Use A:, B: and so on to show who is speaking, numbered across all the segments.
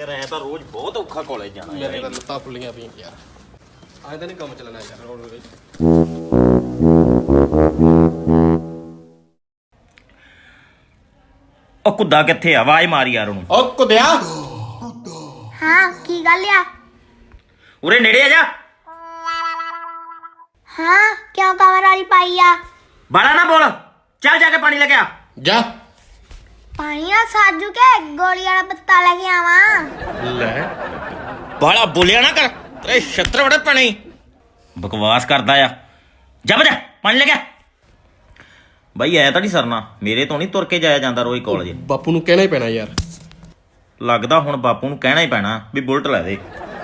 A: ਯਾਰ ਐ ਤਾਂ ਰੋਜ਼ ਬਹੁਤ ਔਖਾ ਕਾਲਜ ਜਾਣਾ ਯਾਰ।
B: ਮੇਰੇ ਤਾਂ ਲੱਤਾਂ ਫੁੱਲੀਆਂ ਪਈਆਂ ਯਾਰ। ਅੱਜ ਤਾਂ ਨਹੀਂ ਕੰਮ ਚੱਲਣਾ ਯਾਰ ਰੋਡ ਵਿੱਚ।
A: ਉਹ ਕੁੱਦਾ ਕਿੱਥੇ ਆ? ਆਵਾਜ਼ ਮਾਰ ਯਾਰ ਉਹਨੂੰ।
B: ਉਹ ਕੁੱਦਿਆ।
C: ਹਾਂ ਕੀ ਗੱਲ ਆ?
A: ਉਰੇ ਨੇੜੇ ਆ ਜਾ।
C: ਹਾਂ ਕਿਉਂ ਕਵਰ ਵਾਲੀ ਪਾਈ ਆ?
A: ਬਾਲਾ ਨਾ ਬੋਲ, ਚੱਲ ਜਾ ਕੇ ਪਾਣੀ ਲੈ ਕੇ ਆ।
B: ਜਾ
C: ਪਾਣੀ ਆ ਸਾਜੂ ਕੇ ਗੋਲੀ ਵਾਲਾ ਪੱਤਾ ਲੈ ਕੇ ਆਵਾਂ।
B: ਲੈ
A: ਬਾਲਾ ਬੋਲਿਆ ਨਾ ਕਰ, ਤੇਰੇ ਛੱਤਰ ਬੜੇ ਪਾਣੀ ਬਕਵਾਸ ਕਰਦਾ ਆ। ਜਾ ਬਜਾ ਪਾਣੀ ਲੈ ਕੇ ਆ। ਬਾਈ ਐ ਤਾਂ ਨਹੀਂ ਸਰਨਾ, ਮੇਰੇ ਤੋਂ ਨਹੀਂ ਤੁਰ ਕੇ ਜਾਇਆ ਜਾਂਦਾ ਰੋਜ਼ ਕਾਲਜ।
B: ਬਾਪੂ ਨੂੰ ਕਹਿਣਾ ਹੀ ਪੈਣਾ ਯਾਰ।
A: ਲੱਗਦਾ ਹੁਣ ਬਾਪੂ ਨੂੰ ਕਹਿਣਾ ਹੀ ਪੈਣਾ ਵੀ ਬੁਲਟ ਲੈ ਦੇ।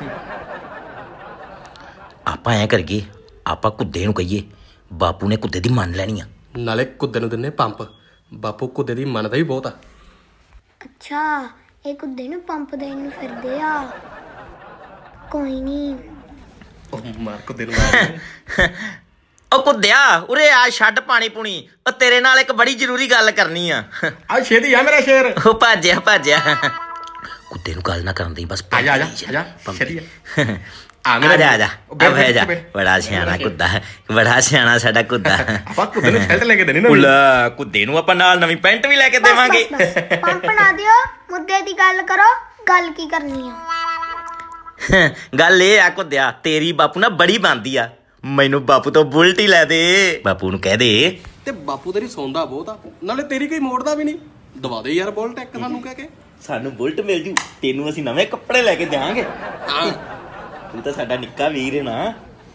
A: ਆਪਾਂ ਐ ਕਰੀਏ, ਆਪਾਂ ਕੁੱਦੇ ਨੂੰ ਕਹੀਏ, ਬਾਪੂ ਨੇ ਕੁੱਦੇ ਦੀ ਮੰਨ ਲੈਣੀ ਆ।
B: ਨਾਲੇ ਕੁੱਦੇ ਨੂੰ ਦਿੰਨੇ ਪੰਪ। ਬਾਪੂ ਕੁੱਦੇ ਦੀ ਮੰਨਦਾ ਵੀ ਬਹੁਤ ਆ।
C: ਅੱਛਾ ਇਹ ਕੁੱਦੇ ਨੂੰ ਪੰਪ ਦੇਣ ਨੂੰ ਫਿਰਦੇ ਆ। ਕੋਈ ਨਹੀਂ
B: ਉਹ ਮਾਰ ਕੁੱਦੇ ਨੂੰ ਮਾਰ।
A: ਉਹ ਕੁੱਦਿਆ ਉਰੇ ਆ, ਛੱਡ ਪਾਣੀ ਪੂਣੀ। ਉਹ ਤੇਰੇ ਨਾਲ ਇੱਕ ਬੜੀ ਜ਼ਰੂਰੀ ਗੱਲ ਕਰਨੀ ਆ।
B: ਆ ਛੇਤੀ ਆ ਮੇਰਾ ਸ਼ੇਰ।
A: ਉਹ ਭੱਜਿਆ ਕੁੱਦੇ ਨੂੰ ਗੱਲ ਨਾ ਕਰਨ ਦੀ ਬਸ।
B: ਆ ਜਾ ਆ ਜਾ ਆ ਜਾ ਛੇਤੀ ਆ।
A: ਆ ਜਾ ਬੜਾ ਸਿਆਣਾ ਕੁੱਦਾ, ਬੜਾ ਸਿਆਣਾ ਸਾਡਾ ਕੁੱਦਾ।
B: ਆਪਾਂ ਕੁੱਦੇ ਨੂੰ ਸ਼ੈਲਟ ਲੈ ਕੇ ਦੇਣੀ ਨਾ।
A: ਉਲਾ ਕੁੱਦੇ ਨੂੰ ਆਪਾਂ ਨਾਲ ਨਵੀਂ ਪੈਂਟ ਵੀ ਲੈ ਕੇ ਦੇਵਾਂਗੇ।
C: ਪੰਪ ਨਾ ਦਿਓ, ਮੁੱਦੇ ਦੀ ਗੱਲ ਕਰੋ। ਗੱਲ ਕੀ ਕਰਨੀ ਆ?
A: ਗੱਲ ਇਹ ਆ ਕੁੱਦਿਆ, ਤੇਰੀ ਬਾਪੂ ਨਾ ਬੜੀ ਬਣਦੀ ਆ। ਮੈਨੂੰ ਬਾਪੂ ਤੋਂ ਬੁਲਟ ਹੀ ਲੈ ਦੇ। ਬਾਪੂ ਨੂੰ ਕਹਿ ਦੇ।
B: ਤੇ ਬਾਪੂ ਤੇਰੀ ਸੌਂਦਾ ਬਹੁਤ ਆ, ਨਾਲੇ ਤੇਰੀ ਕੋਈ ਮੋੜਦਾ ਵੀ ਨਹੀਂ। ਦਵਾ ਦੇ ਯਾਰ ਬੁਲਟ ਇੱਕ ਸਾਨੂੰ ਕਹਿ ਕੇ।
A: ਸਾਨੂੰ ਬੁਲਟ ਮਿਲ ਜੂ, ਤੈਨੂੰ ਅਸੀਂ ਨਵੇਂ ਕੱਪੜੇ ਲੈ ਕੇ ਦੇਵਾਂਗੇ।
B: ਹਾਂ
A: ਤੂੰ ਤਾਂ ਸਾਡਾ ਨਿੱਕਾ ਵੀਰ ਹੈ ਨਾ।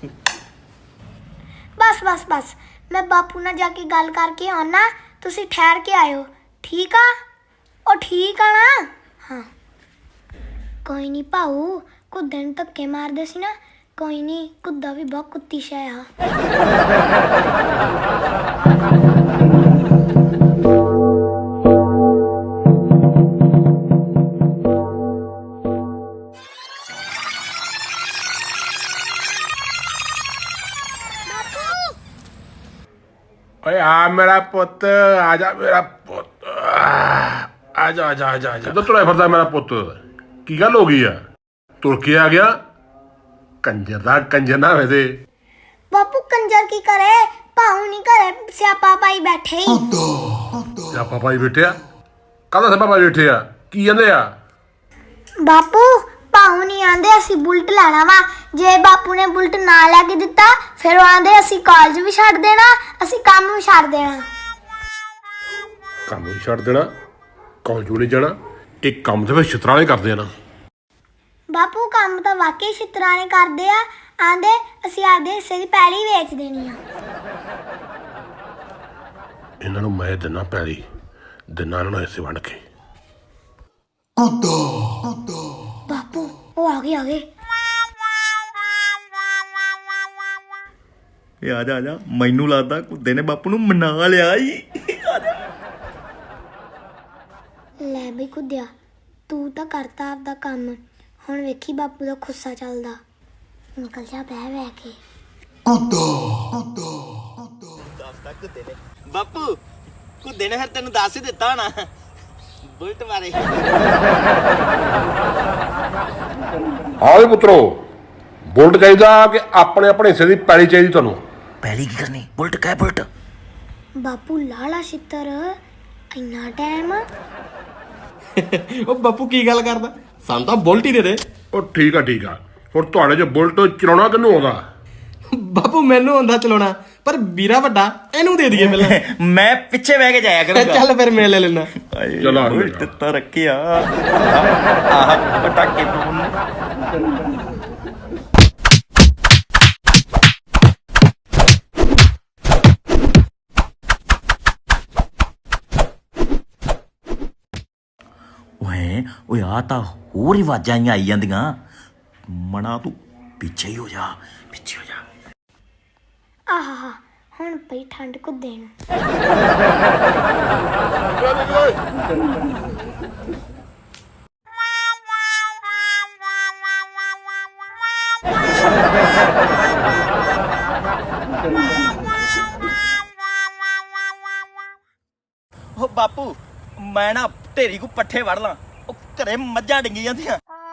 C: ਬਸ ਬਸ ਬਸ, ਮੈਂ ਬਾਪੂ ਨਾਲ ਜਾ ਕੇ ਗੱਲ ਕਰਕੇ ਆਉਣਾ। ਤੁਸੀਂ ਠਹਿਰ ਕੇ ਆਇਓ, ਠੀਕ ਆ? ਉਹ ਠੀਕ ਆ ਨਾ? ਹਾਂ ਕੋਈ ਨਹੀਂ ਭਾਊ, ਕੁੱਦੇ ਨੂੰ ਧੱਕੇ ਮਾਰਦੇ ਸੀ ਨਾ। ਕੋਈ ਨਹੀਂ, ਕੁੱਦਾ ਵੀ ਬਹੁਤ ਕੁੱਤੀ ਸ਼ੈ ਆ।
D: ਓਏ ਆ ਮੇਰਾ ਪੁੱਤ, ਆ ਜਾ ਮੇਰਾ ਪੁੱਤ, ਆ ਜਾ ਆ ਜਾ ਆ ਜਾ। ਜਦੋਂ ਤੁਰਿਆ ਫਿਰਦਾ ਮੇਰਾ ਪੁੱਤ, ਕੀ ਗੱਲ ਹੋ ਗਈ ਆ? ਤੁਰ ਕੇ ਆ ਗਿਆ? ਕੰਜਰ ਦਾ ਕੰਜਰ ਨਾ ਹੋਵੇ ਤੇ।
C: ਬਾਪੂ ਕੰਜਰ ਕੀ ਕਰੇ? ਭਾਊ ਨਹੀਂ ਘਰੇ ਸਿਆਪਾ ਪਾਈ ਬੈਠੇ ਹੀ।
D: ਸਿਆਪਾ ਪਾਈ ਬੈਠਿਆ? ਕਾਹਦਾ ਸਿਆਪਾ ਪਾਈ ਬੈਠੇ ਆ? ਕੀ ਕਹਿੰਦੇ ਆ?
C: ਬਾਪੂ ਭਾਊ ਨਹੀਂ ਆਂਦੇ ਅਸੀਂ ਬੁਲਟ ਲੈਣਾ ਵਾ। ਜੇ ਬਾਪੂ ਨੇ ਬੁਲਟ ਨਾ ਲੈ ਕੇ ਦਿੱਤਾ ਫਿਰ ਉਹ ਆਂਦੇ ਅਸੀਂ ਕਾਲਜ ਵੀ ਛੱਡ ਦੇਣਾ, ਅਸੀਂ ਕੰਮ ਵੀ ਛੱਡ ਦੇਣਾ।
D: ਕੰਮ ਵੀ ਛੱਡ ਦੇਣਾ, ਕਾਲਜ ਵੀ ਨਹੀਂ ਜਾਣਾ? ਇਹ ਕੰਮ ਤੇ ਫਿਰ ਛਿੱਤਰਾਂ ਵਾਲੇ ਕਰਦੇ ਆ ਨਾ।
C: ਬਾਪੂ ਕੰਮ ਤਾਂ ਵਾਕਈ ਛਿੱਤਰਾਂ ਨੇ ਕਰਦੇ ਆ। ਆਂਦੇ ਅਸੀਂ ਆਪਦੇ ਹਿੱਸੇ ਦੀ ਪੈਲੀ ਵੇਚ ਦੇਣੀ ਆ।
D: ਇਹਨਾਂ ਨੂੰ ਮੈਂ ਦਿਨਾ ਪੈਲੀ, ਦਿਨਾ ਇਹਨਾਂ ਨੂੰ ਹਿੱਸੇ ਵੰਡ ਕੇ।
C: ਬਾਪੂ ਉਹ ਆ ਗਏ
A: ਆ ਜਾ ਆ ਜਾ। ਮੈਨੂੰ ਲੱਗਦਾ ਕੁੱਦੇ ਨੇ ਬਾਪੂ ਨੂੰ ਮਨਾ ਲਿਆ ਈ।
C: ਲੈ ਬਈ ਕੁੱਦਿਆ, ਤੂੰ ਤਾਂ ਕਰਤਾ ਆਪਦਾ ਕੰਮ। ਹੁਣ ਵੇਖੀ ਬਾਪੂ ਦਾ ਗੁੱਸਾ ਚੱਲਦਾ। ਨਿਕਲ ਜਾ ਬਹਿ ਕੇ।
A: ਦੱਸਦਾ ਕੁੱਦੇ ਨੇ। ਬਾਪੂ ਕੁੱਦੇ ਨੇ ਫਿਰ ਤੈਨੂੰ ਦੱਸ ਹੀ ਦਿੱਤਾ ਹੋਣਾ ਬੁਲਟ ਬਾਰੇ।
D: ਹਾਂ ਵੀ ਪੁੱਤਰੋ, ਬੁਲਟ ਚਾਹੀਦਾ ਕਿ ਆਪਣੇ ਆਪਣੇ ਹਿੱਸੇ ਦੀ ਪੈਲੀ ਚਾਹੀਦੀ ਤੁਹਾਨੂੰ?
A: ਪਹਿਲੀ ਕੀ ਕਰਨੀ? ਬੁਲਟ ਕਹਿ ਬੁਲਟ।
C: ਬਾਪੂ ਲਾਲਾ ਛਿੱਤਰ, ਇੰਨਾ ਟਾਈਮ?
B: ਉਹ ਬਾਪੂ ਕੀ ਗੱਲ ਕਰਦਾ? ਸਾਨੂੰ ਤਾਂ ਬੁਲਟ ਹੀ ਦੇ ਦੇ।
D: ਉਹ ਠੀਕ ਆ। ਹੁਣ ਤੁਹਾਡੇ 'ਚ ਬੁਲਟ ਚਲਾਉਣਾ ਕਿਹਨੂੰ ਆਉਂਦਾ?
B: ਬਾਪੂ ਮੈਨੂੰ ਆਉਂਦਾ ਚਲਾਉਣਾ, ਪਰ ਵੀਰਾ ਵੱਡਾ ਇਹਨੂੰ ਦੇ ਦਈਏ ਪਹਿਲਾਂ।
A: ਮੈਂ ਪਿੱਛੇ ਬਹਿ ਕੇ ਜਾਇਆ ਕਰੂੰਗਾ।
B: ਚੱਲ ਫਿਰ ਮੈਂ ਲੈ ਲੈਣਾ।
D: ਚਲੋ
A: ਬੁਲਟ ਤਾਂ ਰੱਖਿਆ। ਆਹ ਪਟਾਕੇ ਪਾਉਣ। ਓਏ ਆ ਤਾਂ ਹੋਰ ਹੀ ਆਵਾਜ਼ਾਂ ਆਈ ਜਾਂਦੀਆਂ। ਮਣਾ ਤੂੰ ਪਿੱਛੇ ਹੀ ਹੋ ਜਾ, ਪਿੱਛੇ ਹੋ ਜਾ।
C: ਆਹਾ ਹੁਣ ਪਈ ਠੰਡ ਕੁੱਦੇ ਨੂੰ।
A: ਉਹ ਬਾਪੂ ਮੈਂ ਨਾ ਢੇਰੀ ਕੋ ਪੱਠੇ ਵੜ ਲਾਂ। ਉਹ ਘਰੇ ਮੱਝਾਂ ਡਿੰਗੀ ਜਾਂਦੀਆਂ।